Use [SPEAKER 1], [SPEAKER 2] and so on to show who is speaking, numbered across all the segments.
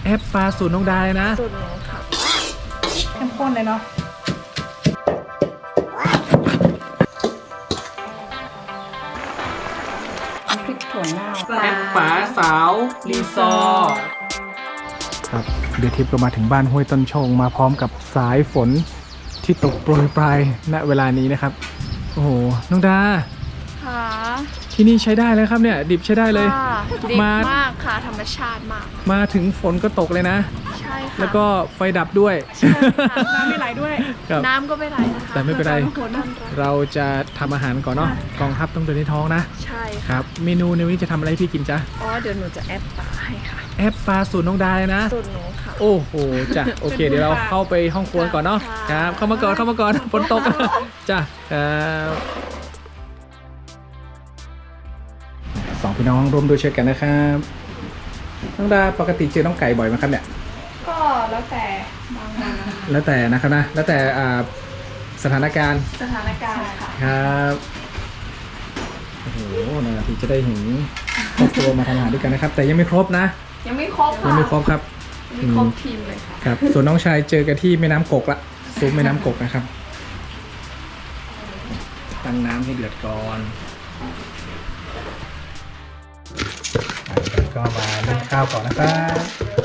[SPEAKER 1] แอปปลาสูตรน้องดาเลยนะ
[SPEAKER 2] สูตรหนูค่ะเข้มข้นเลยเนาะพริกถั่วเน่า
[SPEAKER 1] แอปป๋าสาวรีสอร์ทครับเดี๋ยวทิพย์ก็มาถึงบ้านห้วยต้นชงมาพร้อมกับสายฝนที่ตกโปรยปลายณเวลานี้นะครับโอ้โหน้องดา
[SPEAKER 2] ค่ะ
[SPEAKER 1] ที่นี่ใช้ได้แล้วครับเนี่ยดิบใช้ได้เลย
[SPEAKER 2] ดีมากค่ะธรรมชาติมาก
[SPEAKER 1] มาถึงฝนก็ตกเลยนะ
[SPEAKER 2] ใช่ค่ะ
[SPEAKER 1] แล้วก็ไฟดับด้วย
[SPEAKER 2] น้ำไม่ไหลด้วยน้ำก็ไม่ไหลนะคะ
[SPEAKER 1] แต่ไม่เป็นไรเราจะทำอาหารก่อนเนาะกองทัพต้องเดินในท้องนะ
[SPEAKER 2] ใช่
[SPEAKER 1] ครับเมนูในวันนี้จะทำอะไรพี่กินจ๊ะ
[SPEAKER 2] อ๋อเดี๋ยวหนูจะแอปปลาให้ค่ะ
[SPEAKER 1] แอปปลาสูตรน้องดาเลยนะ
[SPEAKER 2] สูตรหนูค่ะ
[SPEAKER 1] โอ้โหจ้ะโอเคเดี๋ยวเราเข้าไปห้องครัวก่อนเนาะครับเข้ามาก่อนฝนตกจ้ะครับสองพี่น้องร่วมด้วยช่วยกันนะครับน้องดาปกติเจอน้องไก่บ่อยไหมครับเนี่ย
[SPEAKER 2] ก็แล้วแต่บางวัน
[SPEAKER 1] แล้วแต่นะครับนะแล้วแต่สถานการณ์
[SPEAKER 2] ค่ะ
[SPEAKER 1] ครับโอ้โหนานทีจะได้เห็นครอบครัวมาทำอาหารด้วยกันนะครับแต่ยังไม่ครบนะ
[SPEAKER 2] ยังไม่ครบค่ะ
[SPEAKER 1] ยังไม่ครบครับ
[SPEAKER 2] ไม่ครบทีมเลยค่ะ
[SPEAKER 1] ครับส่วนน้องชายเจอกันที่แม่น้ำกกละซุปแม่น้ำกกนะครับตั้งน้ำให้เดือดก่อนก็มาเล่นข้าวก่อนนะครับ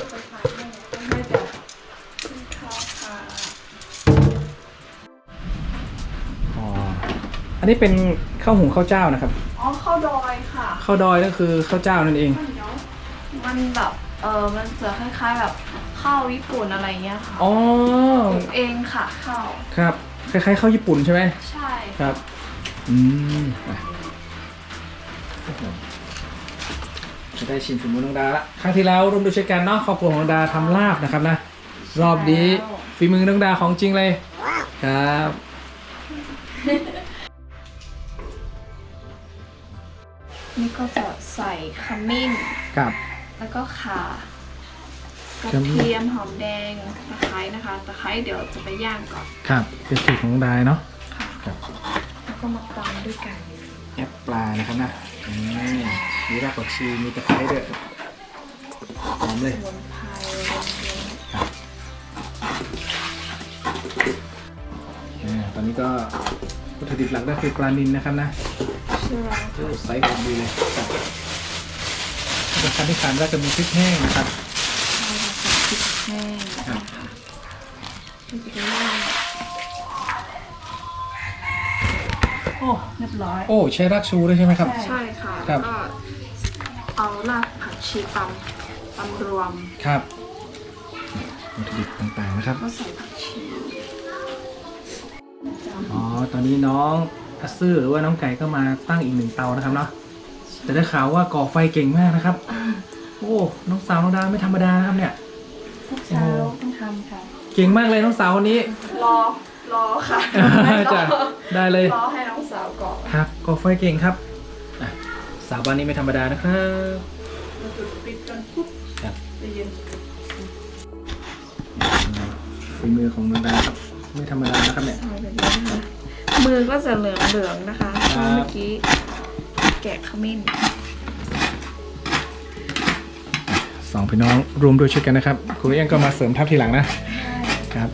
[SPEAKER 1] อ๋ออันนี้เป็นข้าวหุงข้าวเจ้านะครับ
[SPEAKER 2] อ๋อข้าวดอยค่ะ
[SPEAKER 1] ข้าวดอยก็คือข้าวเจ้านั่นเอง
[SPEAKER 2] มันแบบมันจะคล้ายๆแบบข้าวญี่ปุ่นอะไรเงี้ยค่ะ
[SPEAKER 1] อ๋อ
[SPEAKER 2] เองค่ะข้าว
[SPEAKER 1] ครับคล้ายๆข้าวญี่ปุ่นใช่ไหม
[SPEAKER 2] ใช่
[SPEAKER 1] ครับจะได้ชิมฝีมือน้องดาละครั้งที่แล้วร่วมด้วยช่วยกันเนาะครอบครัวของน้องดาทำลาบนะครับนะรอบนี้ฝีมือน้องดาของจริงเลยครับ
[SPEAKER 2] นี่ก็จะใส่ขมิ้น
[SPEAKER 1] ครับ
[SPEAKER 2] แล้วก็ข่ากระเทียมหอมแดงตะไคร้นะคะตะไคร้เดี๋ยวจะไปย่างก่อน
[SPEAKER 1] ครับเป็นสูตรของน้องดาเนาะ
[SPEAKER 2] ค่ะแล้วก็มาตำด้วยกัน
[SPEAKER 1] แอปปลานะครับนะมีรากผักชีมีตะไคร้ด้วยหอมเลย
[SPEAKER 2] สมุนไพร
[SPEAKER 1] ตอนนี้ก็วัตถุดิบหลักก็คือปลานิลนะครับนะไซส์พอดีเลยขั้นที่3ก็จะมีพริกแห้งนะครับ
[SPEAKER 2] พริกแห้งโอ้เรียบร้อย
[SPEAKER 1] โอ้ใช้รากชูด้วยใช่ไหมครับ
[SPEAKER 2] ใช่ค่ะ
[SPEAKER 1] ครับ
[SPEAKER 2] ก็เอารากผักชีตำรวม
[SPEAKER 1] ครับวัตถุดิบต่างๆนะครับ
[SPEAKER 2] ก็ใส่ผักชี
[SPEAKER 1] อ๋อตอนนี้น้องอัสซื่อหรือว่าน้องไก่ก็มาตั้งอีก1เตานะครับเนาะแต่ได้ข่าวว่าก่อไฟเก่งมากนะครับโอ้น้องสาวน้องดาไม่ธรรมดานะครับเนี่ย
[SPEAKER 2] ทุกเช้าต้องทำค่ะ
[SPEAKER 1] เก่งมากเลยน้องสาวคนนี้
[SPEAKER 2] รอค่ะ
[SPEAKER 1] จ้ะได้เลย
[SPEAKER 2] รอให้น้องสาวก่อน
[SPEAKER 1] ครับก่อไฟเก่งครับสาวบ้านนี้ไม่ธรรมดานะครับ
[SPEAKER 2] เราจุดปิดกันปุ๊บ
[SPEAKER 1] ครับ
[SPEAKER 2] เย็น
[SPEAKER 1] ฝีมือของน้องดาครับไม่ธรรมดานะครับเนี่ย
[SPEAKER 2] มือก็จะเหลืองๆนะคะเมื่อกี้แกะขมิ้น
[SPEAKER 1] สองพี่น้องรวมด้วยช่วยกันนะครับคุณเอี้ยงก็มาเสริมทัพทีหลังนะครับ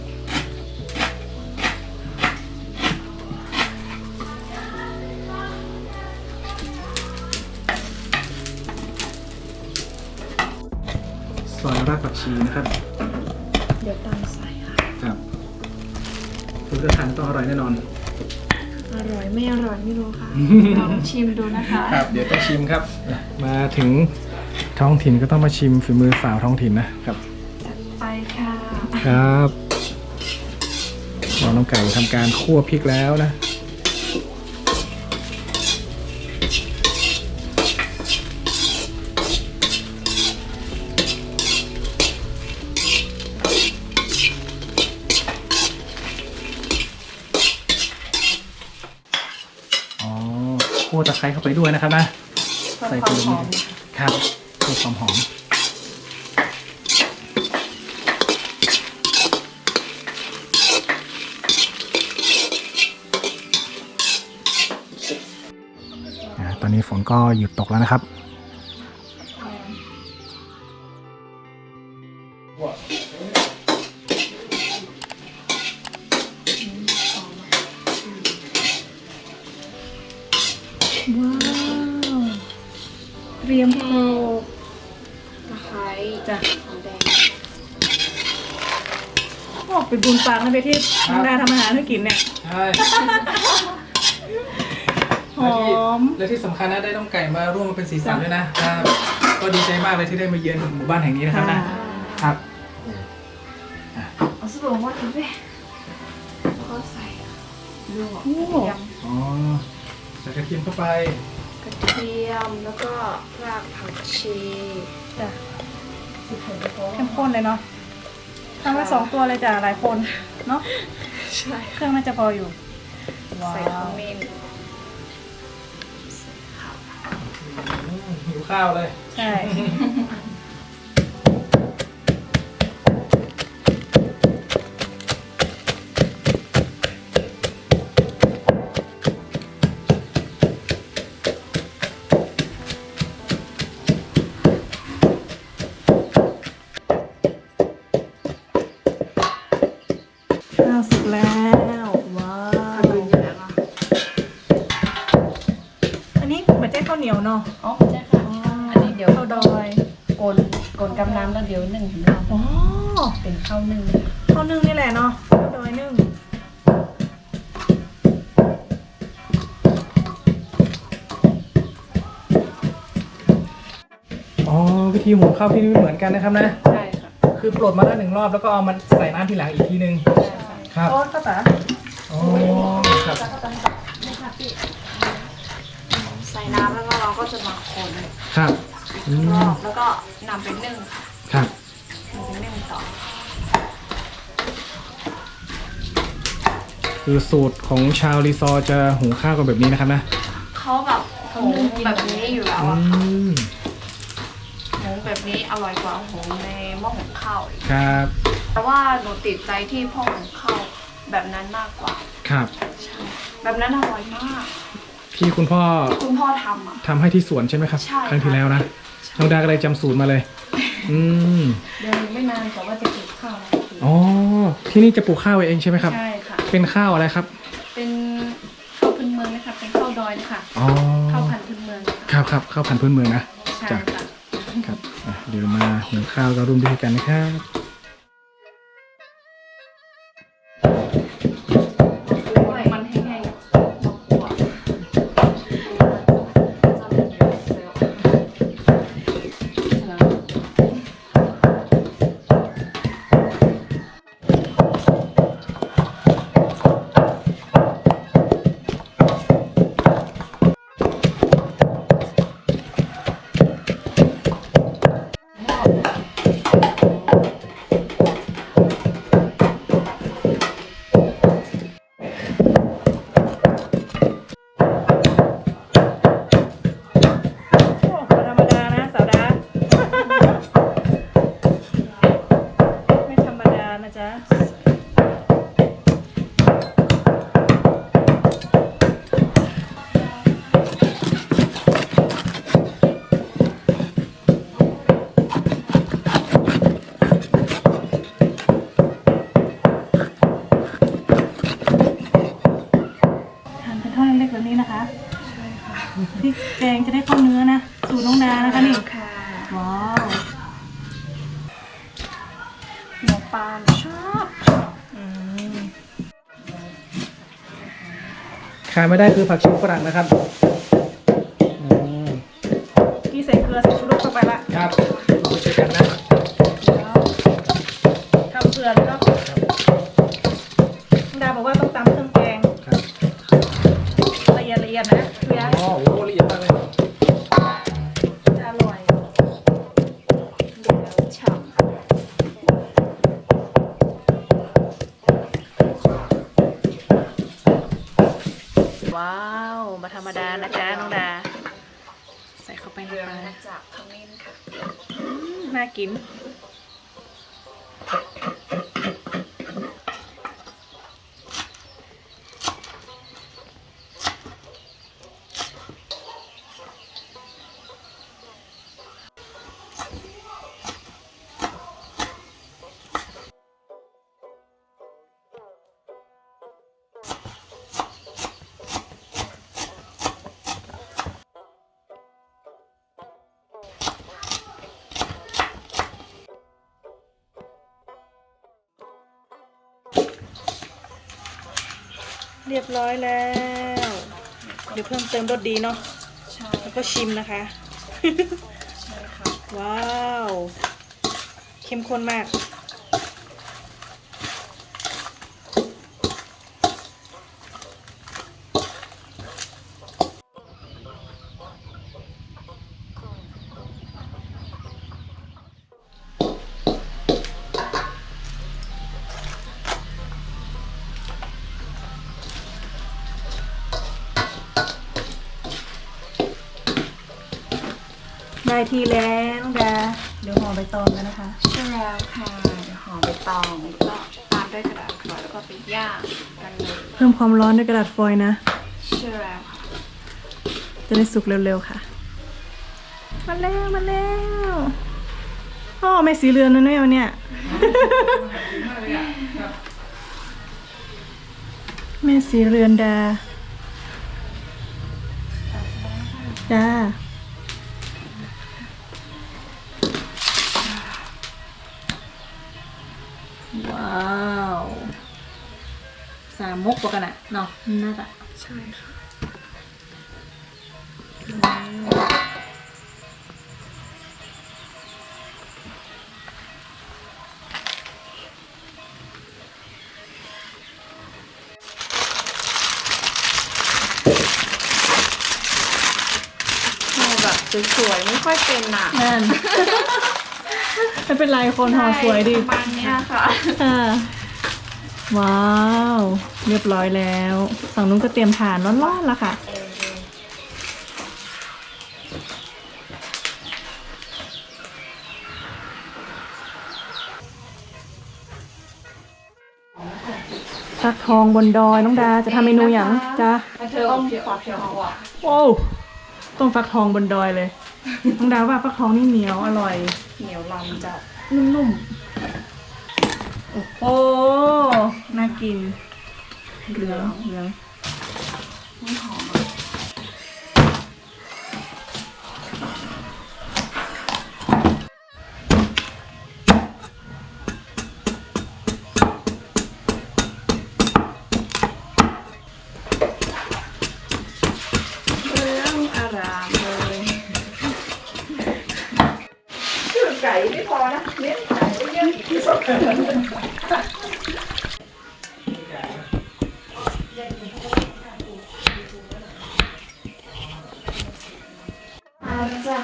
[SPEAKER 1] ซอยรากผักชีนะครับ
[SPEAKER 2] เดี๋ยวตามใส่ค่ะ
[SPEAKER 1] ครับคุณจะทานต้องอร่อยแน่นอน
[SPEAKER 2] อร่อยไม่อร่อยไม่รู้ค่ะลองชิมดูนะคะ
[SPEAKER 1] ครับเดี๋ยวต้องชิมครับมาถึงท้องถิ่นก็ต้องมาชิมฝีมือสาวท้องถิ่นนะครับ
[SPEAKER 2] จัดไปค่ะ
[SPEAKER 1] ครับน้องไก่ทำการคั่วพริกแล้วนะคั่วตะไคร้เข้าไปด้วยนะครับนะ
[SPEAKER 2] ใส่ความหอม
[SPEAKER 1] ครับเพื่อความหอมตอนนี้ฝนก็หยุดตกแล้วนะครับว้าว เตรียมโขลก
[SPEAKER 2] ตะไคร้
[SPEAKER 1] จ้ะ
[SPEAKER 2] หอมแดง
[SPEAKER 1] โอ้เป็นบุญปากนะเบที่น้องดาทำอาหารให้กินเนี่ย
[SPEAKER 3] ใช่
[SPEAKER 1] หอม
[SPEAKER 3] และที่สำคัญนะได้น้องไก่มาร่วมมาเป็นสีสันด้วยนะครับก็ดีใจมากเลยที่ได้มาเยือนหมู่บ้านแห่งนี้นะครับนะครับ
[SPEAKER 2] เอาสบู่มาทิ้งไปแล้วก็ใส่ลวก
[SPEAKER 1] โอ้
[SPEAKER 2] กระเทียม
[SPEAKER 3] อ๋อใส่กระเทียมเข้าไป
[SPEAKER 2] กระเทียมแล้วก็รากผักชี
[SPEAKER 1] จ้ะเข้มข้นเลยเนาะทำมา2 ตัวเลยจ้ะหลายคนเนาะ
[SPEAKER 2] ใช่
[SPEAKER 1] เครื่องน่าจะพออยู่
[SPEAKER 2] ใส่ขมิ้น
[SPEAKER 3] หิวข้าวเลย
[SPEAKER 1] ใช่ ข้าวสุกแล้ว ว้า
[SPEAKER 2] ทำ
[SPEAKER 1] ว
[SPEAKER 2] เป็นอย่างนั้นอ่ะ
[SPEAKER 1] อันนี้เหมือนเจ๊ข้าวเหนียวเนาะ
[SPEAKER 4] อ๋อใช่ค่ะ อันนี้เดี๋ยว
[SPEAKER 1] ข้าวดอย
[SPEAKER 4] กลนกำน้ำแล้วเดี๋ยวนึ่งถึงเรา
[SPEAKER 1] อ๋อ
[SPEAKER 4] เป็นข้าวนึ่ง
[SPEAKER 1] ข้าวนึ่งนี่แหละเนาะข้าวดอยนึ่ง
[SPEAKER 3] อ๋อวิธีหุงข้าวที่นี่ไม่เหมือนกันนะครับนะ
[SPEAKER 4] ใช่ค่ะ
[SPEAKER 3] คือปลดมาแล้ว1 รอบแล้วก็เอามันใส่น้ำทีหลังอีกทีนึง
[SPEAKER 4] ใช่ค่ะ
[SPEAKER 3] ครับ
[SPEAKER 1] โอ้ข้าวตา
[SPEAKER 3] อ๋อครับ
[SPEAKER 2] ใส่น้ำแล้วก็เราก็จะมาคน
[SPEAKER 3] ครับอื
[SPEAKER 2] ร
[SPEAKER 3] ม
[SPEAKER 2] อบแล้วก็นำไปนึ่งค่ะ
[SPEAKER 3] ครับ
[SPEAKER 2] นำไปนึ่งต่อ
[SPEAKER 3] คือสูตรของชาวรีซอร์จะหุงข้าวกันแบบนี้นะครับนะ
[SPEAKER 2] เขาแบบหุงแบบนี้อยู่แล้ว
[SPEAKER 3] อื
[SPEAKER 2] อะค่ะ
[SPEAKER 3] ม
[SPEAKER 2] หุงแบบนี้อร่อยกว่าหุงในหม้อหุงข้าวอีก
[SPEAKER 3] ครับ
[SPEAKER 2] แต่ว่าหนูติดใจที่พ่อหุงข้าวแบบนั้นมากกว่า
[SPEAKER 3] ครับ
[SPEAKER 2] ใช่แบบนั้นอร่อยมาก
[SPEAKER 3] ที่คุณพ่อ
[SPEAKER 2] คุณพ่อทำอ่ะ
[SPEAKER 3] ทำให้ที่สวนใช่ไหมครับ
[SPEAKER 2] ใช่
[SPEAKER 3] ครั้งที่แล้วนะน้องดาก็เลยจำสูตรมาเลย อืม
[SPEAKER 4] เดี๋ยวไม่นานแต่ว่าจะเก็บข้าวแล้ว
[SPEAKER 3] อ๋อที่นี่จะปลูกข้าวเองใช่ไหมครับ
[SPEAKER 4] ใช่ค่ะ
[SPEAKER 3] เป็นข้าวอะไรครับ
[SPEAKER 4] เป็นข้าวพื้นเมืองนะคะ เป็นข้าวดอยนะคะ
[SPEAKER 3] อ๋อ
[SPEAKER 4] ข้าวพันธุ์พื้นเมืองนะคะ
[SPEAKER 3] ครับข้าวพันธุ์พื้นเมืองนะ
[SPEAKER 4] ใช่
[SPEAKER 3] จ้ะ
[SPEAKER 4] ค่ะ
[SPEAKER 3] ครับอ่ะเดี๋ยวมาหุงข้าวก็ร่วมด้วยกันนะครับ
[SPEAKER 2] มันแห้งๆมากกว่า
[SPEAKER 1] โอ้ธรรมดานะสาวดา ไม่ธรรมดานะจ๊ะ ทานเป็นท่อนเล็กๆแบบนี้นะคะ
[SPEAKER 2] ใช่ค่ะ
[SPEAKER 1] พริกแกงจะได้เข้าเนื้อนะ สูตรน้องดานะคะนี่
[SPEAKER 2] ค่ะ
[SPEAKER 1] ว้าว
[SPEAKER 2] หมูปลาชอบ
[SPEAKER 1] อืม
[SPEAKER 3] ขาดไม่ได้คือผักชีฝรั่งนะครับอืม
[SPEAKER 1] พี่ใส่เกลือใส่ชูรสเข้าไปละ
[SPEAKER 3] ครับเราไปช่วยกันนะ
[SPEAKER 1] แล้วทำเกลือแล้วก็น้องดาบอกว่าต้องตำเครื่องแกง
[SPEAKER 3] ครับ
[SPEAKER 1] ละเอียดๆนะเพื่อ
[SPEAKER 3] อ๋อโอ้โหละเอียดมากเลย
[SPEAKER 1] จะอร่อย
[SPEAKER 2] ฉ่ำ
[SPEAKER 1] ว้าว มาธรรมดานะจ๊ะน้องดา ใส่เข้าไปใน
[SPEAKER 2] เรือง
[SPEAKER 1] ปลา
[SPEAKER 2] มาจากขมิ้นค่ะ
[SPEAKER 1] น่ากิน
[SPEAKER 5] เรียบร้อยแล้ว เดี๋ยวเพิ่มเติมรสดีเนาะ
[SPEAKER 2] ใช่
[SPEAKER 5] แล้วก็ชิมนะคะ
[SPEAKER 2] ใช่ค่ะ
[SPEAKER 5] ว้าว เข้มข้นมาก ได้ทีแล้วน้องดาเดี๋ยวห่อใบตองกันนะคะ
[SPEAKER 2] ใช่แล้วค่ะเดี๋ยวห่อใบตองแล้วก็ตามด้วยกระดาษฟอยล์แล้วก็ไปย่างกันเลย
[SPEAKER 5] เพิ่มความร้อนด้วยกระดาษฟอยล์นะ
[SPEAKER 2] ใช่แล้วค่ะ
[SPEAKER 5] จะได้สุกเร็วๆค่ะ มาแล้วมาแล้วพ่อไม่สีเรือนนะเนี่ยวันเนี่ย แม่สีเรือนดาจ้าว้าวสามมุกปกันอะเนาะน่าจะ
[SPEAKER 2] ใช่ค่ะ ห่อแบบสวยๆไม่ค่อยเป็นอ่ะ
[SPEAKER 5] นั่น ไม่เป็นไรคนห่อสวยดี
[SPEAKER 2] ประมาณเนี้ยค่ะ
[SPEAKER 5] ค่ะว้าว เรียบร้อยแล้ว ฝั่งนู้นก็เตรียมทานร้อนๆแล้วค่ะ ฟักทองบนดอยน้องดาจะทำเมนูอย่างจ้า
[SPEAKER 2] เธอต้องฝักทองอ่ะ
[SPEAKER 5] โอ้วต้มฟักทองบนดอยเลย น้องดาว่าฟักทองนี่เหนียวอร่อย
[SPEAKER 2] เหนียวลำจะ
[SPEAKER 5] นุ่มๆ โอ้โห น่ากิน เหลืองเหลือง
[SPEAKER 2] ไม่หอมเรื่องอารามเลยชื่อไก่ไม่พอนะเลี้ยงไก่ก็เยอะอีกที่สุดอาจ้ะ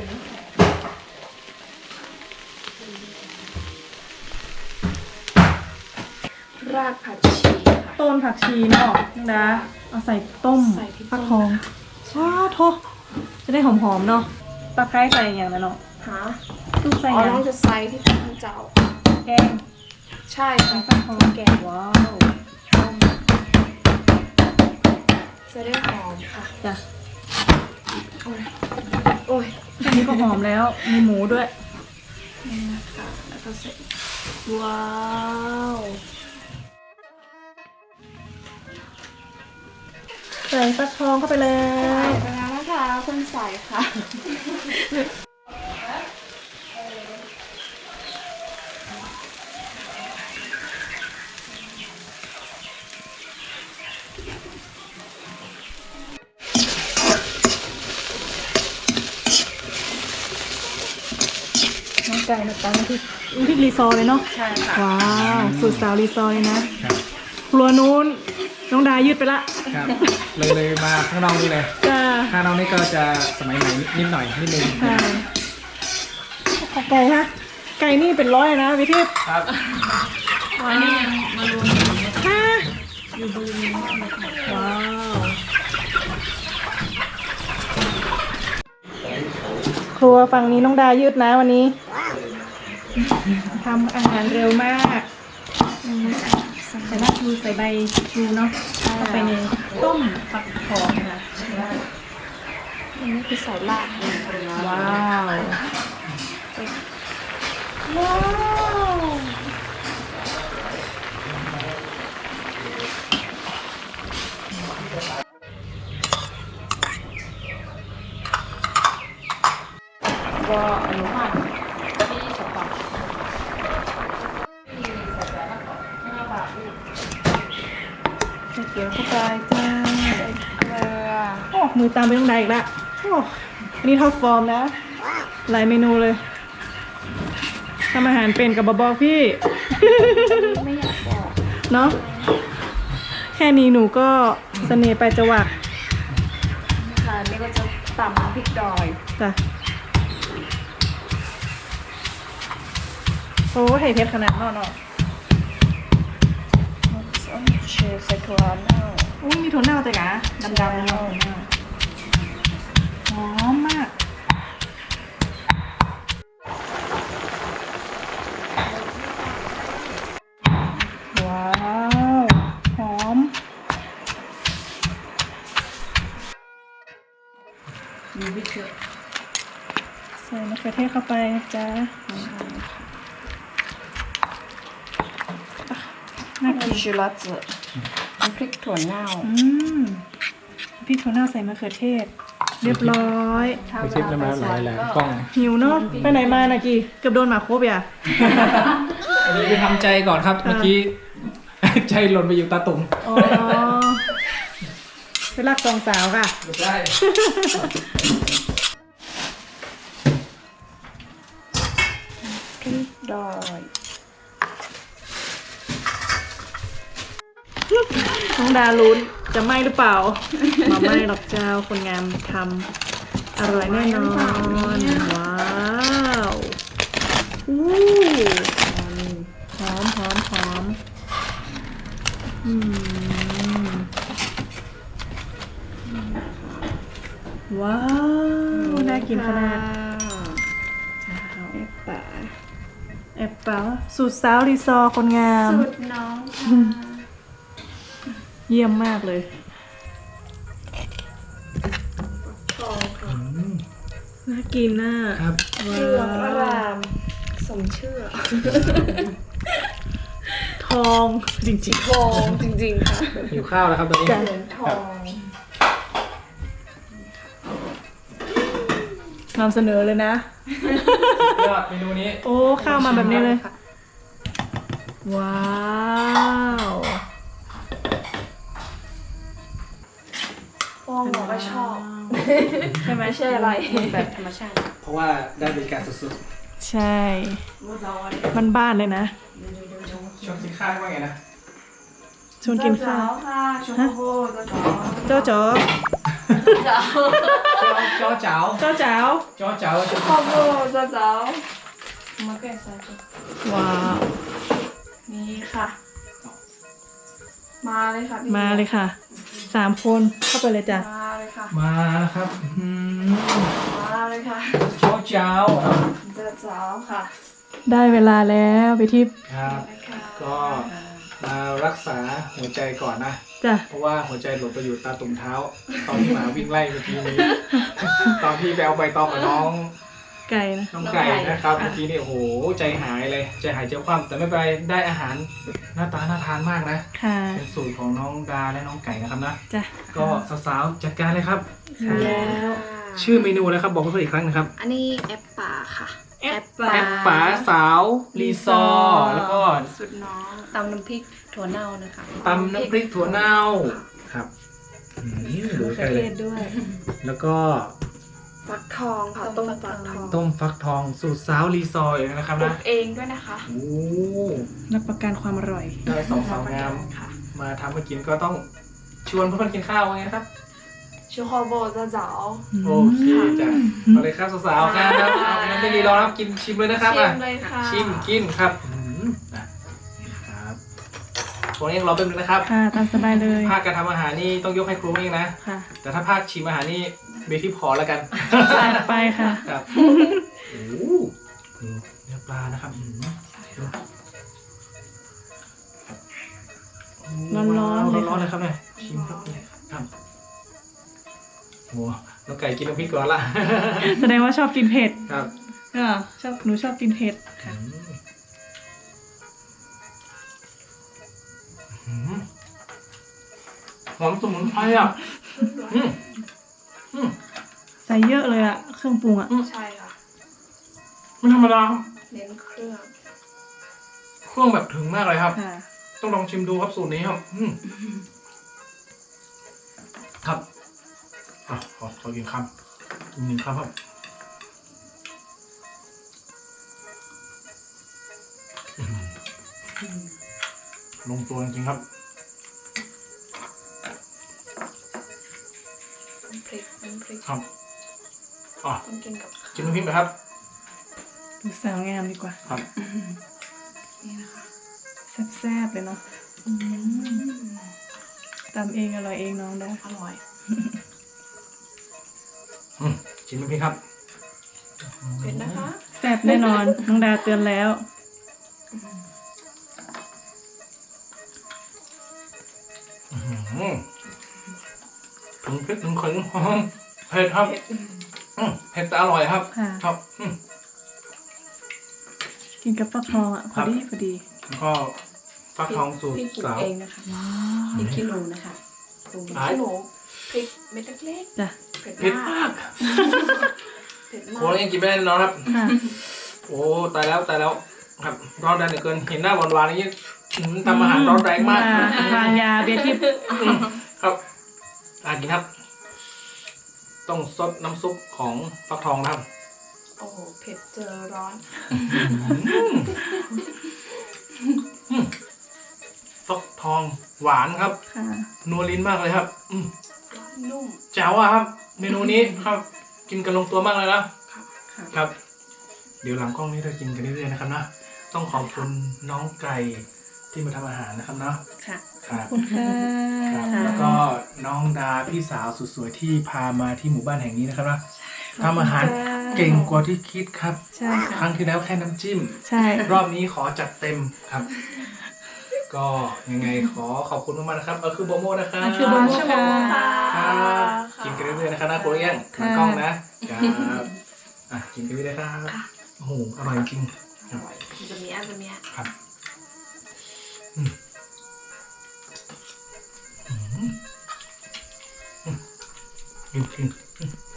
[SPEAKER 2] รากผักชีค่ะ
[SPEAKER 5] ต้นผักชีเนาะน้องดาเอาใส่ต้ม
[SPEAKER 2] ใส่ที่ต้ม
[SPEAKER 5] ฟักทองว้าโทจะได้หอมๆเนาะตะไคร้ใส่อย่างนั้นเนาะ
[SPEAKER 2] หา
[SPEAKER 5] ลูกใส่
[SPEAKER 2] อ๋อ
[SPEAKER 5] อย่าง
[SPEAKER 2] น้องจะใส่ที่ต้นเจ้า
[SPEAKER 5] แกง
[SPEAKER 2] ใช่ค่ะ
[SPEAKER 5] ฟักทองแกงว้าว
[SPEAKER 2] จะได้หอมค่ะ
[SPEAKER 5] จ้ะ
[SPEAKER 2] โอ้ย
[SPEAKER 5] แค่นี้ก็หอมแล้ว มีหมูด้วย
[SPEAKER 2] นี่นะคะแล้วก็ใส่
[SPEAKER 5] ว้าวใส่ฟักทองเข้าไปเลย
[SPEAKER 2] ไปแล้วนะคะคนใส่ค่ะ
[SPEAKER 5] น้องไก่นะตาน้ำพริกรีซอร์เลยเนาะ
[SPEAKER 2] ใช่ค่ะ
[SPEAKER 5] ว้าวสูตรสาวรีซอร์เลยนะครับ ครัวนู้นน้องดายืดไปละ
[SPEAKER 3] ครับเลยมาข้างนอกนี่เลย
[SPEAKER 5] จ้า
[SPEAKER 3] ข้างนอกนี่ก็จะสมัยใหม่นิดหน่อยนิดนึง
[SPEAKER 5] ใช่ขอไก่ฮะไก่นี่เป็นร้อยนะวิทิพย์
[SPEAKER 3] ครับ
[SPEAKER 5] อันนี้ยังมารวมฮะอยู่บริเวณว้าวครัวฝั่งนี้น้องดายืดนะวันนี้ทำอาหารเร็วมากใส่รากชูใส่ใบชูเนาะเข้าไปในต้มฟักทองค่ะ
[SPEAKER 2] อันนี้คือใส่ราก
[SPEAKER 5] ว้าว ว้าว
[SPEAKER 2] ก็อนุบาลที่สปอร์ต
[SPEAKER 5] ใส่
[SPEAKER 2] เกลือเข้าไปจ้าใส่เกลือ
[SPEAKER 5] โอ้มือตามไปต้องได้อีกละโอ้อันนี้ท็อปฟอร์มนะหลายเมนูเลยทำอาหารเป็นกับบอกพี่
[SPEAKER 2] ไม่อยากบอก
[SPEAKER 5] เนาะแค่นี้หนูก็เสน่ห์ไปจะหวัก
[SPEAKER 2] ค่ะนี่ก็จะตำพริกดอย
[SPEAKER 5] จ้ะโอ้ไห่เพชรขนาดนอก
[SPEAKER 2] เชฟใส่ถั่วเน่า
[SPEAKER 5] อุ้ยมีถั่วเน่าแต่กะดำๆเนาะหอมมาก ว้าว หอม
[SPEAKER 2] มีวิธี
[SPEAKER 5] ใส่มะเขือเทศเข้าไปนะจ๊ะน่ากิน
[SPEAKER 2] ชิลัตสึน้ำพริกถั่วเน่า
[SPEAKER 5] พริกถั่วเน่าใส่มะเขือเทศ เรียบร้อย
[SPEAKER 1] ไปชิปแล้วมาหลายแหลมกล้อง
[SPEAKER 5] หิวเนาะไปไหนมานะกี่เกือบโดนหมาโคบอ่ะ
[SPEAKER 3] อันนี้ไปทำใจก่อนครับ เมื่อกี้ ใจหล่นไปอยู่ตาตุ่ม
[SPEAKER 5] อ๋อไปรักสองสาวค่ะ
[SPEAKER 3] ไม่ได้
[SPEAKER 2] พริกดอย
[SPEAKER 5] น้องดาลุ้นจะไหมหรือเปล่า มาไหมหรอกเจ้าคนงามทำอร่อยแน่นอน ว้าวอู้หอมหอมหอมว้าวน่ากินขนาดแอบเป๋าสูตรสาวรีซอร์คนงาม
[SPEAKER 2] สูตรน้องค่ะ
[SPEAKER 5] เยี่ยมมากเลย
[SPEAKER 2] ทองค่ะ
[SPEAKER 5] น่ากินน่ะ
[SPEAKER 3] ครับ
[SPEAKER 2] เหลืองอร่ามสมชื่อ
[SPEAKER 5] ทองจริง
[SPEAKER 2] ทองจริงๆค่ะ
[SPEAKER 3] หิวข้าวแล้วครับตอนนี้
[SPEAKER 2] เหลืองทอง
[SPEAKER 5] ๆนำเสนอเลยนะ
[SPEAKER 3] ยอดเมนูนี้
[SPEAKER 5] โอ้ข้าวมาแบบนี้เลย ว้าว
[SPEAKER 2] ฟองหนูก็ชอบ
[SPEAKER 5] ใช่ไหม
[SPEAKER 2] ไม่ใช่อะไรแบบธรรมชาติ
[SPEAKER 3] เพราะว่าได้บริการสุด
[SPEAKER 5] ใช่บ้านๆเลยนะ
[SPEAKER 3] ๆชอบกินข้าวว่าไงนะ
[SPEAKER 5] ชวนกินข้าว
[SPEAKER 2] ค่ะชมพูเจ้า
[SPEAKER 5] เจ้าจ๋อ
[SPEAKER 2] เจ้า
[SPEAKER 3] จ้อเจ๋า
[SPEAKER 5] เจ้าจ๋าว
[SPEAKER 3] จ้อเจ๋าจะ
[SPEAKER 2] ชมพูเจ้ามาแกะใส่ตัว
[SPEAKER 5] ว้าว
[SPEAKER 2] นี่ค่ะ มาเลยค่ะพี่
[SPEAKER 5] มาเลยค่ะ3 คนเข้าไปเลยจ้ะ
[SPEAKER 2] มาเลยค่ะ
[SPEAKER 3] มาแล้วครับอื้อ
[SPEAKER 2] มาเลยค่ะ
[SPEAKER 3] จ้อเจ๋า
[SPEAKER 2] เจ้าค่ะ
[SPEAKER 5] ได้เวลาแล้วไปทิพย์
[SPEAKER 3] ครับ
[SPEAKER 2] เลยค่ะ
[SPEAKER 3] ก็มารักษาหัวใจก่อนนะ
[SPEAKER 5] จ้ะ
[SPEAKER 3] เพราะว่าหัวใจหลบไปอยู่ตาตุ่มเท้า ตอนที่หมาวิ่งไล่เมื่อกี้นี้ ตอนที่ไปเอาใบตองกับน้อง
[SPEAKER 5] ไก่นะ
[SPEAKER 3] น้องไก่นะครับเมื่อกี้นี่โอ้โหใจหายเลยใจหายใจคว่ำแต่ไม่เป็นไรได้อาหารหน้าตาน่าทานมากนะ
[SPEAKER 5] ค่ะ
[SPEAKER 3] เป็นสูตรของน้องดาและน้องไก่นะครับนะ
[SPEAKER 5] จ้ะ
[SPEAKER 3] ก็สาวๆจัดการเลยครับ
[SPEAKER 5] แล้ว
[SPEAKER 3] ชื่อเมนูนะครับบอกเพื่อนๆอีกครั้งนะครับ
[SPEAKER 2] อันนี้แอปป่าค่ะ
[SPEAKER 5] แอปป่า
[SPEAKER 3] แอปป๋าสาวรีซอร์แล้วก็
[SPEAKER 2] สุดน้องตำน้ำพริกถั่วเน่านะคะ
[SPEAKER 3] ตำน้ำพริกถั่วเน่าครับดู
[SPEAKER 5] มะเขื
[SPEAKER 3] กั
[SPEAKER 5] อน เท
[SPEAKER 3] เลย
[SPEAKER 5] ศด้วย
[SPEAKER 3] แล้วก็
[SPEAKER 2] ฟักทองค่ะต้มฟักทอง
[SPEAKER 3] ต้มฟักทองสูตรสาวรีซอร์อย่างนะครับ
[SPEAKER 2] ปลู
[SPEAKER 3] นะ
[SPEAKER 2] กเองด้วยนะคะ
[SPEAKER 3] โอ้
[SPEAKER 5] รับประกันความอร่อย
[SPEAKER 3] ได้สองสาวงาม
[SPEAKER 2] ค่ะ
[SPEAKER 3] มาทำมากินก็ต้องชวนเพื่อนๆกินข้าวไงนะครับ
[SPEAKER 2] ชูคอโบจะเจ๋า
[SPEAKER 3] โอเคจ้ะเอาเลยครับสาวๆครับเอางั้นไม่รีรอครับกินชิมเลยนะครับ
[SPEAKER 2] ชิ
[SPEAKER 3] อ่ะ
[SPEAKER 2] มเลยค่ะ
[SPEAKER 3] ชิมกินครับนะครับครูเองรอแป๊บนึงนะครับ
[SPEAKER 5] ค่ะตามสบายเลย
[SPEAKER 3] ภาคการทำอาหารนี่ต้องยกให้ครูเองนะ
[SPEAKER 5] ค่ะ
[SPEAKER 3] แต่ถ้าภาคชิมอาหารนี่เบทิพขอแล้วกัน
[SPEAKER 5] จัดไปค่ะ
[SPEAKER 3] ครับโอ้โหดูเนื้อปลานะครับดู
[SPEAKER 5] ร้อนๆเลย
[SPEAKER 3] ร้อนๆเลยครับเนี่ยชิมครับเนี่ยครับโอ้น้องไก่กินน้ำพริกก่อนละ
[SPEAKER 5] แสดงว่าชอบกินเผ็ด
[SPEAKER 3] ครับ
[SPEAKER 5] หนูชอบกินเผ็ดค่ะ
[SPEAKER 3] หอมสมุนไพรอ่ะอืม
[SPEAKER 5] ใส่เยอะเลยอะเครื่องปรุงอะ
[SPEAKER 2] ใช่ค่ะ
[SPEAKER 3] ไม่ธรรมดาครับ
[SPEAKER 2] เน้นเครื่อง
[SPEAKER 3] เครื่องแบบถึงมากเลยครับ
[SPEAKER 5] ค่ะ
[SPEAKER 3] ต้องลองชิมดูครับสูตรนี้ครับ
[SPEAKER 1] ขอกินคำ1 คำครับลงตัวจริงๆครับ
[SPEAKER 2] น้ำพริก
[SPEAKER 1] ครับอ๋อ
[SPEAKER 2] ต้องกินกับ
[SPEAKER 1] กินน้ำพริกไหมครับ
[SPEAKER 5] ดูสาวงามดีกว่า
[SPEAKER 1] ครับ
[SPEAKER 2] นี่นะคะ
[SPEAKER 5] แซ่บๆเลยเนาะตำเองอร่อยเองน้องได้
[SPEAKER 2] อร่อย
[SPEAKER 1] กินน้ำพริกครับ
[SPEAKER 2] เผ็ดนะคะ
[SPEAKER 5] แซ่บแน่นอน น้องดาเตือนแล้ว
[SPEAKER 1] ถึงพริกถึงขิงเผ็ดครับเผ็ดแต่อร่อยครับ
[SPEAKER 5] ค่ะ
[SPEAKER 1] ครับ
[SPEAKER 5] กินกับฟักทองอ่ะพอดีพอดี
[SPEAKER 1] แล้วก็ฟักทองสูตร
[SPEAKER 4] พี่ปลูก
[SPEAKER 1] สาว
[SPEAKER 4] เองนะคะพริกขี้หนูนะคะปลูก
[SPEAKER 2] พริกขี้หนูพริกเม็ดเล็ก
[SPEAKER 5] จ้ะ
[SPEAKER 2] ๆเผ็ด
[SPEAKER 1] เผ็ด
[SPEAKER 2] มาม
[SPEAKER 1] าก ก
[SPEAKER 2] เผ็ด
[SPEAKER 1] โค
[SPEAKER 2] มาก
[SPEAKER 1] ยังกินไม่ได้แน่นอนครับ
[SPEAKER 5] ค่ะ
[SPEAKER 1] โอ้ตายแล้วครับร้อนแรงเหลือเกินเห็นหน้าหวานๆอย่างนี้ทำอาหารร้อนแรงมาก
[SPEAKER 5] วางยาเบียร์ทิพย์
[SPEAKER 1] ครับกินครับ ต้องซดน้ำซุปของฟักทองนะครับ
[SPEAKER 2] โอ้โหเผ็ดเจอร้อน
[SPEAKER 1] ฟักทองหวานครับ
[SPEAKER 5] ค่ะ
[SPEAKER 1] นัวลิ้นมากเลยครับ
[SPEAKER 2] นุ่ม
[SPEAKER 1] แจ๋วอะครับ เมนูนี้ครับ กินกันลงตัวมากเลยนะ
[SPEAKER 2] ค่ะ
[SPEAKER 1] ครับ เดี๋ยวหลังกล้องนี้เรากินกันเรื่อยๆนะครับนะต้องขอบคุณน้องไก่ที่มาทำอาหารนะครับเนาะ
[SPEAKER 4] ค่ะ
[SPEAKER 1] ครับ
[SPEAKER 5] ขอบคุณค่ะ
[SPEAKER 1] ครับแล้วก็น้องดาพี่สาวสุดสวยที่พามาที่หมู่บ้านแห่งนี้นะครับนะทำอาหารเก่งกว่าที่คิดครับ
[SPEAKER 5] ใช่
[SPEAKER 1] ค
[SPEAKER 5] ค่ะ
[SPEAKER 1] รั้งที่แล้วแค่น้ำจิ้ม
[SPEAKER 5] ใช่
[SPEAKER 1] รอบนี้ขอจัดเต็มครับ ก็ยังไงขอขอบคุณมากๆนะครับคือโบโมนะครับ
[SPEAKER 5] คือโบโมค่ะ
[SPEAKER 1] ครับกินกันเรื่อยๆนะครับนะโคเรียนหลังกล้องนะครับกินกันเรื่อยๆครับโอ้โหอร่อยจริง
[SPEAKER 2] อร่อยจะเมีย
[SPEAKER 1] ครับกิน